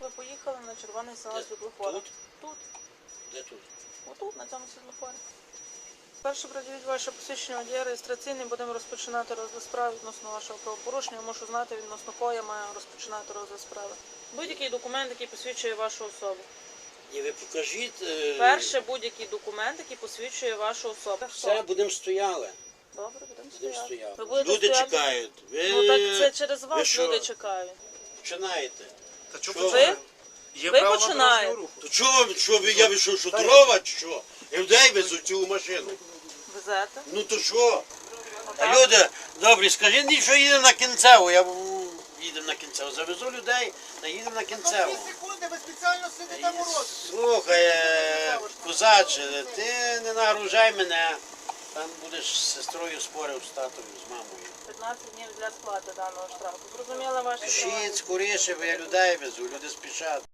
Ви поїхали на червоний сигнал світлофора. Тут? Тут. Де тут? Отут, на цьому світлофорі. Перше приділіть ваше посвідчення водія реєстраційний, будемо розпочинати розгляд справи відносно вашого правопорушення. Я мушу знати, відносно кого я маю розпочинати розгляд справи. Будь-який документ, який посвідчує вашу особу. І ви покажіть. Перше, будь-який документ, який посвідчує вашу особу. Все, будемо стояли. Добре, будемо Будемо стояти. стояли. Ви будете Люди стояти? чекають. Ви Ну так це через вас що? люди чекають. починаєте. Та Що чого ви? Є Ви право починаєте. дорожнього руху. То чого ви, я вийшов, що дрова чи що? Людей везу цю машину. Везете? Ну то що? Отак? А люди, добрі, скажіть мені, що їдемо на Кінцеву. Їдемо на Кінцеву. Завезу людей, та їдемо на Кінцеву. 2 секунди, ви спеціально сидите морозити. Слухай, козаче, ти не нагружай мене. Там будеш з сестрою спорив, з татом, з мамою. 15 днів для сплати даного штрафу. Зрозуміла ваші Пишіть права? скоріше, бо я людей везу, люди спішать.